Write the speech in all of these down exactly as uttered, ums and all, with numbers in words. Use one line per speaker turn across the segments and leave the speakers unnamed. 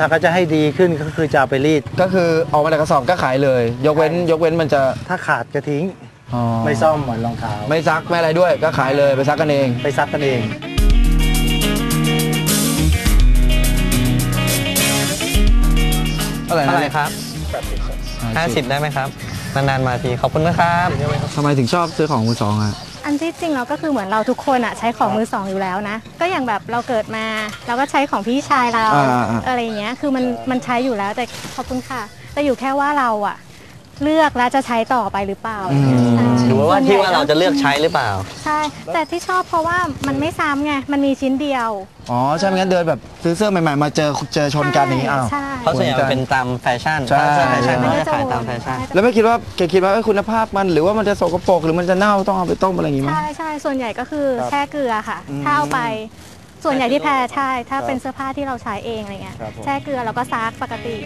ถ้าเขาจะให้ดีขึ้นก็คือจะเอาไปรีด
ก็คือออกมาจากกระสอบก็ขายเลย ยกเว้นยกเว้นมันจะ
ถ้าขาดก็ทิ้งไม่ซ่อมเหมือนรองเท้า
ไม่ซักไม่อะไรด้วยก็ขายเลยไปซักกันเอง
ไปซักกันเอง
เท่าไหร่
ครับห้าสิบได้ไหมครับนานๆมาทีขอบคุณนะครับ
ทำไมถึงชอบซื้อของมือสองอ่ะ
อันที่จริงเราก็คือเหมือนเราทุกคนอ่ะใช้ของมือสองอยู่แล้วนะก็อย่างแบบเราเกิดมาเราก็ใช้ของพี่ชายเราอะไรอย่างเงี้ยคือมันมันใช้อยู่แล้วแต่ขอบคุณค่ะแต่อยู่แค่ว่าเราอ่ะเลือกแล้วจะใช้ต่อไปหรือเปล่า
หรือว่าที่ว่าเราจะเลือกใช้หรือเปล่า
ใช่แต่ที่ชอบเพราะว่ามันไม่ซ้ำไงมันมีชิ้นเดียว
อ๋อใช่ไม่งั้นเดินแบบซื้อเสื้อใหม่ๆมาเจอเจอชนกันอย่างนี้อ้าว
เพราะส่วนใหญ่เป็นตามแฟชั่นใช่แฟชั่นก็จะขายตามแฟชั่น
แล้วไม่คิดว่าแกคิดว่าคุณภาพมันหรือว่ามันจะสกปรกหรือมันจะเน่าต้องเอาไปต้มอะไรอย่างงี้มั้ย
ใช่ใช่ส่วนใหญ่ก็คือแช่เกลือค่ะถ้าเอาไปส่วนใหญ่ที่แพ้ใช่ถ้าเป็นเสื้อผ้าที่เราใช้เองอะไรเงี้ยแช่เกลือแล้วก็ซักปกติ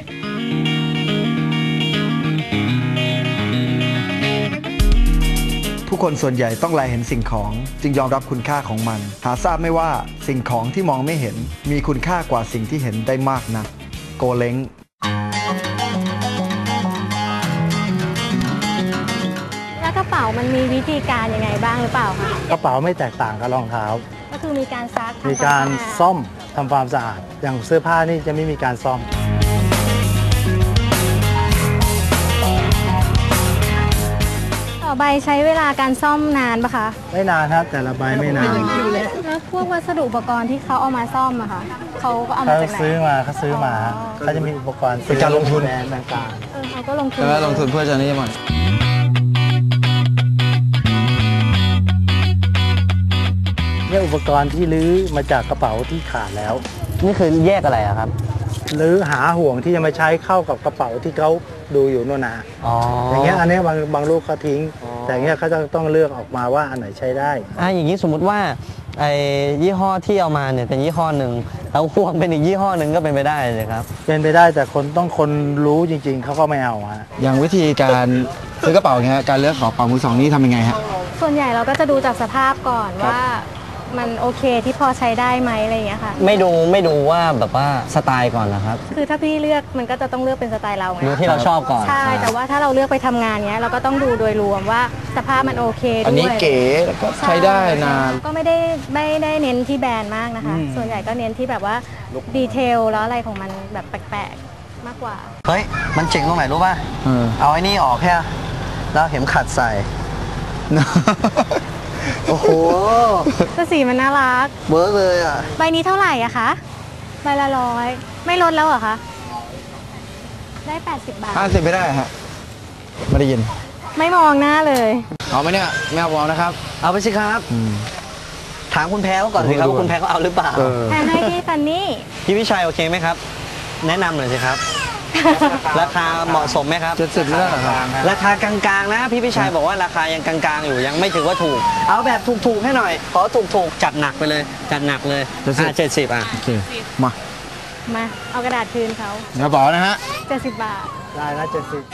ผู้คนส่วนใหญ่ต้องแลเห็นสิ่งของจึงยอมรับคุณค่าของมันหาทราบไม่ว่าสิ่งของที่มองไม่เห็นมีคุณค่ากว่าสิ่งที่เห็นได้มากนักโกเล้ง
แล้วกระเป๋ามันมีวิธีการยังไงบ้างหรือเปล่าคะ
กระเป๋าไม่แตกต่างกับรองเท้า
ก็คือมีการซัก
มีการซ่อมทำความสะอาดอย่างเสื้อผ้านี่จะไม่มีการซ่อม
ใบใช้เวลาการซ่อมนานปะคะ
ไม่นานครับแต่ละใบไม่นาน
แล้วพวกวัสดุอุปกรณ์ที่เขาเอามาซ่อมอะค่ะเขาก็เอามาจากไหน
เขาซื้อมาเขาซื้อมาเขาจะมีอุปกรณ์
เป็นการลงทุน
ต่าง
ๆเออเขาก็ลงทุน
แล้วลงทุนเพื่อจะนี่มัน
เนี่ยอุปกรณ์ที่ลื้อมาจากกระเป๋าที่ขาดแล้ว
นี่คือแยกอะไรอะครับ
ลื้อหาห่วงที่จะมาใช้เข้ากับกระเป๋าที่เขาดูอยู่โน่นนะอย่างเงี้ยอันนี้บางบางลูกเขาทิ้งแต่เงี้ยเขาจะต้องเลือกออกมาว่าอันไหนใช้ได้
อ่าอย่างนี้สมมุติว่าไอ้ยี่ห้อที่เอามาเนี่ยเป็นยี่ห้อหนึ่งแล้วห่วงเป็นอีกยี่ห้อหนึ่งก็เป็นไปได้เลยครับ
เป็นไปได้แต่คนต้องคนรู้จริงๆเขาก็ไม่เอาฮะ
อย่างวิธีการซื้อกระเป๋าเงี้ยการเลือกกระเป๋ามือสองนี่ทำยังไงฮะ
ส่วนใหญ่เราก็จะดูจากสภาพก่อนว่ามันโอเคที่พอใช้ได้ไหมอะไรอย่างเงี้ยค่ะ
ไม่ดูไม่ดูว่าแบบว่าสไตล์ก่อนนะครับ
คือถ้าพี่เลือกมันก็จะต้องเลือกเป็นสไตล์เราไง
ดูที่เราชอบก่อน
ใช่แต่ว่าถ้าเราเลือกไปทำงานเนี้ยเราก็ต้องดูโดยรวมว่าสภาพมันโอเคด้วย
อันนี้เก๋แล้วก็ใช้ได้นาน
ก็ไม่ได้ไม่ได้เน้นที่แบรนด์มากนะคะส่วนใหญ่ก็เน้นที่แบบว่าดีเทลแล้วอะไรของมันแบบแปลกๆมากกว่า
เฮ้ยมันเจ๋งตรงไหนรู้ป่ะเอาไอ้นี่ออกแค่แล้วเข็มขัดใส่โอ้โห
ก็สีมันน่ารัก
เบิร์กเลยอ่ะ
ใบนี้เท่าไหร่อะคะใบละร้อยไม่ลดแล้วเหรอคะได้แปดสิบบาท
ห้าสิบไม่ได้ฮะไม่ได้ยิน
ไม่มองหน้าเลย
เอาไหมเนี่ยไม่เอานะครับ
เอาไปสิครับถามคุณแพ้ก่อนสิครับว่าคุณแพ้เขาเอาหรือเปล่า
แพ้ให้พี่ซันนี่
พี่วิชัยโอเคไหมครับแนะนำหน่อยสิครับราคาเหมาะสมไหมครับ
เจ็ดสิบแล้วครับ
ราคากลางๆนะพี่พิชัยบอกว่าราคายังกลางๆอยู่ยังไม่ถือว่าถูกเอาแบบถูกๆให้หน่อยขอถูกๆจัดหนักไปเลยจัดหนักเลยอ่าเจ็ดสิบอ่ะ
โอเคมา
มาเอากระดาษคืนเขา
กระเป๋านะฮะ
เจ็ดสิบบาท
ได้ละเจ็ดสิบ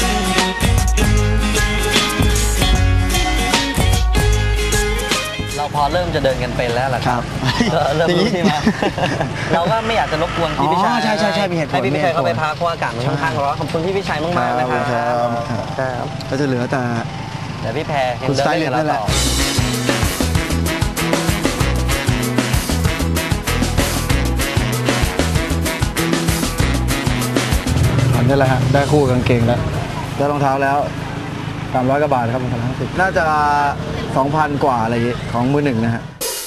เราพอเริ่มจะเดินกันเป็นแล้วล่ะครับเริ่มรู้ที่มาเราก็ไม่อยากจะรบกวนพี่พิชัย
ใช่ใช่ใช่มีเหตุผล
ให้พี่พิชัยเข้าไปพักเพราะอากาศมันค่อนข้างร้อนขอบคุณพี่พิชัยมากๆนะครับ
ครับก็จะเหลือแต่
เดี๋ยวพี่แพรคุณเดินเล่นกับเราต่อ
อันนี้แหละฮะได้คู่กางเกงแล้วได้รองเท้าแล้วสามร้อยกว่าบาทครับรองเท้าห้าสิบน่าจะสองพันกว่าอะไรอย่างงี้ของมือหนึ่งนะฮะ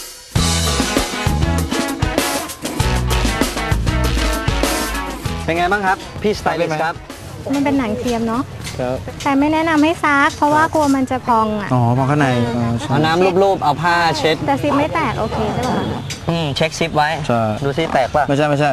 เป็นไงบ้างครับพี่สไตลิสต์ครับ
มันเป็นหนังเทียมเนาะแต่ไม่แนะนำให้ซักเพราะว่ากลัวมันจะพองอ่ะ
อ๋อพองข้างใน
เอาน้ำรูปๆเอาผ้าเช็ด
แต่ซิปไม่แตกโอเคใช่ป่ะ
อืมเช็คซิปไว้ดูซิแตกป่ะ
ไม่ใช่ไม่ใช่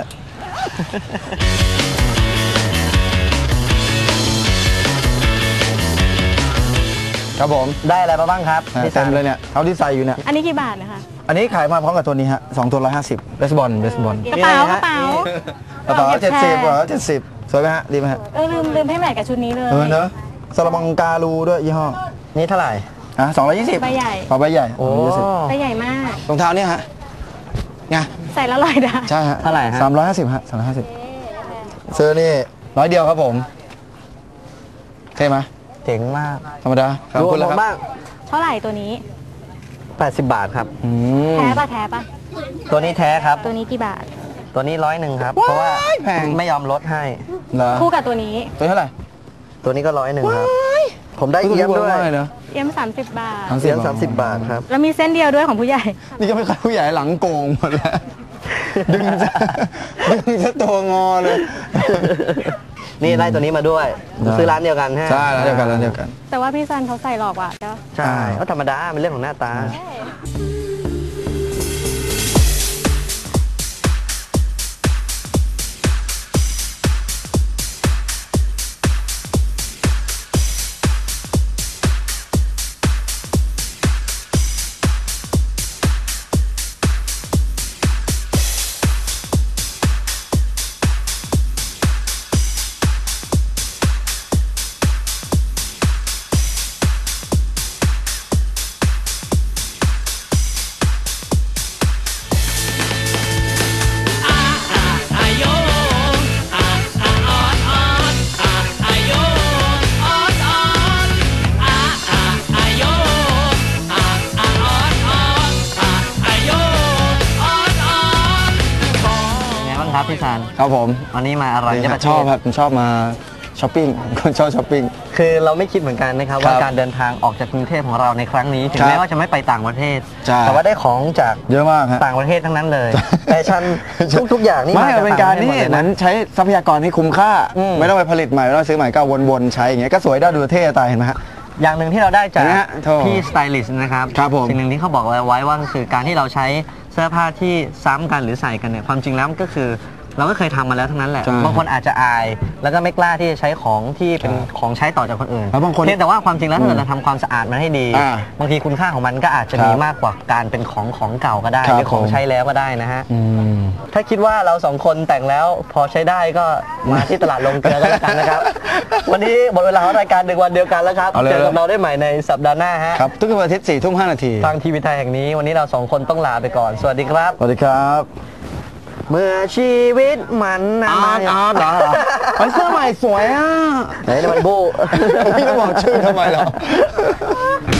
ครับผม
ได้อะไรมาบ้างครับ
เต็มเลยเนี่ยเอาที่ใส่อยู่เนี่ย
อันนี้กี่บาทนะคะ
อันนี้ขายมาพร้อมกับตัวนี้ฮะสองตัวร้อยห้าสิบเบสบอลเบสบอล
กระเป๋ากระเป๋าก
ระเป๋าเจ็ดสิบกว่าเจ็ดสิบสวยไหมฮะดีไหมฮะ
เออลืมลืมให้แมทกับชุดนี้เลย
เออเนอะซาลามังการูด้วยยี่ห้อ
นี่เท่าไหร่
อ่ะสองร้อยยี่สิบ
ใบใหญ่
ใบใหญ่
โอ้
ใบใหญ่มาก
รองเท้าเนี่ยฮะไง
ใส่แล้วลอยได้
ใช่ฮะ
เท่าไหร่ฮะ
สามร้อยห้าสิบฮะสามร้อยห้าสิบซื้อนี่ร้อยเดียวครับผมใช่ไหม
เจ๋งมาก
ธรรมดาขอบ
ดู
คุณแล้ว
ผม
ครับ
บ้าง
เท่าไหร่ตัวนี้
แปดสิบบาทครับ
อืม
แท้ปะแท้ปะ
ตัวนี้แท้ครับ
ตัวนี้กี่บาท
ตัวนี้ร้อยหนึ่งครับ เพราะว่า
แพง
ไม่ยอมลดให้
เหรอ
คู่กับตัวนี้
ตัวเท่าไหร่
ตัวนี้ก็ร้อยหนึ่งครับ ผมได้เอี้ยมด้วย
เนาะ
เอ็มสามสิบบาท
เอี้ยมสามสิบบาทครับ
แล้วมีเส้นเดียวด้วยของผู้ใหญ่
นี่ก็ไม่ค่อยผู้ใหญ่หลังโกงหมดแล้วดึงซะดึงซะตัวงอเลย
นี่ได้ตัวนี้มาด้วย
ได้
ซื้อร้านเดียวกันฮะ
ใช่ร้านเดียวกันร้านเดียวกัน
แต่ว่าพี่ซันเขาใส่หลอกว่ะเจ้า
ใช่ก็ธรรมดาเป็นเรื่องของหน้าตา ครับพี่ซัน
ครับผม
วันนี้มาอร่อย
นี่
จะ
ค
ป
รับ
ระเท
ชอบ
ศ
ครับผมชอบมาช้อปปิ้งคนชอบช้อปปิ้ง
คือเราไม่คิดเหมือนกันนะครับ
ครับ
ว่าการเดินทางออกจากกรุงเทพของเราในครั้งนี้ถึง
ครับ
แม้ว่าจะไม่ไปต่างประเทศ
ใช่
แต่ว่าได้ของจาก
เยอะมากฮะ
ต่างประเทศทั้งนั้นเลยแฟชั่นทุกๆอย่างนี่
ไม่
มาจาก
เป็น
ต่าง
การ
ประเทศ
ที่
หมดเลย
เหมือน
นะ
ใช้ทรัพยากรให้คุ้มค่า
อืม
ไม่ต้องไปผลิตใหม่ไม่ต้องซื้อใหม่ก็วนๆใช้อย่างเงี้ยก็สวยได้ดูเท่ตายเห็นไหมฮะ
อย่างหนึ่งที่เราได้จาก
เห็นไหมฮะโถ่
พี่สไตลิสต์นะครับ
ครับผม
สิ่งหนึ่งที่เขาบอกไว้ว่าก็คือการที่เราใช้เสื้อผ้าที่ซ้ำกันหรือใส่กันเนี่ยความจริงแล้วมันก็คือ เราก็เคยทำมาแล้วทั้งนั้นแหละ
ใช่
บางคนอาจจะอาย แล้วก็ไม่กล้าที่จะใช้ของที่เป็น
ใช่
ของใช้ต่อจากคนอื่น
แล้วบางคน
เพียงแต่ว่าความจริงแล้วถ้าเกิดเราทำความสะอาดมันให้ดี
อ่า
บางทีคุณค่าของมันก็อาจจะ
ครับ
มีมากกว่าการเป็นของของเก่าก็ได้
ครับ
หรือของ
ผม
ใช้แล้วก็ได้นะฮะ
อืม
ถ้าคิดว่าเราสองคนแต่งแล้วพอใช้ได้ก็มาที่ตลาดลงเกลือกันแล้วกันนะครับ วันนี้หมดเวลาของรายการหนึ่งวันเดียวกันแล้วครับ
เอาเลย
เจอกับเราได้ใหม่ในสัปดาห์หน้าฮะ
ครับทุกวันอาทิตย์สี่ทุ่มห้านาที
ทางทีวีไทยแห่งนี้วันนี้เราสองคนต้องลาไปก่อน สวัสดีครับ
สวัสดีครับ
เมื่อชีวิตมันนะ
อาร์ตอาร์ตเหรอเฮ้ยเสื้อใหม่สวยอ่ะ
ไหนนี่มันบู
พี่จะบอกชื่อทำไมเหรอ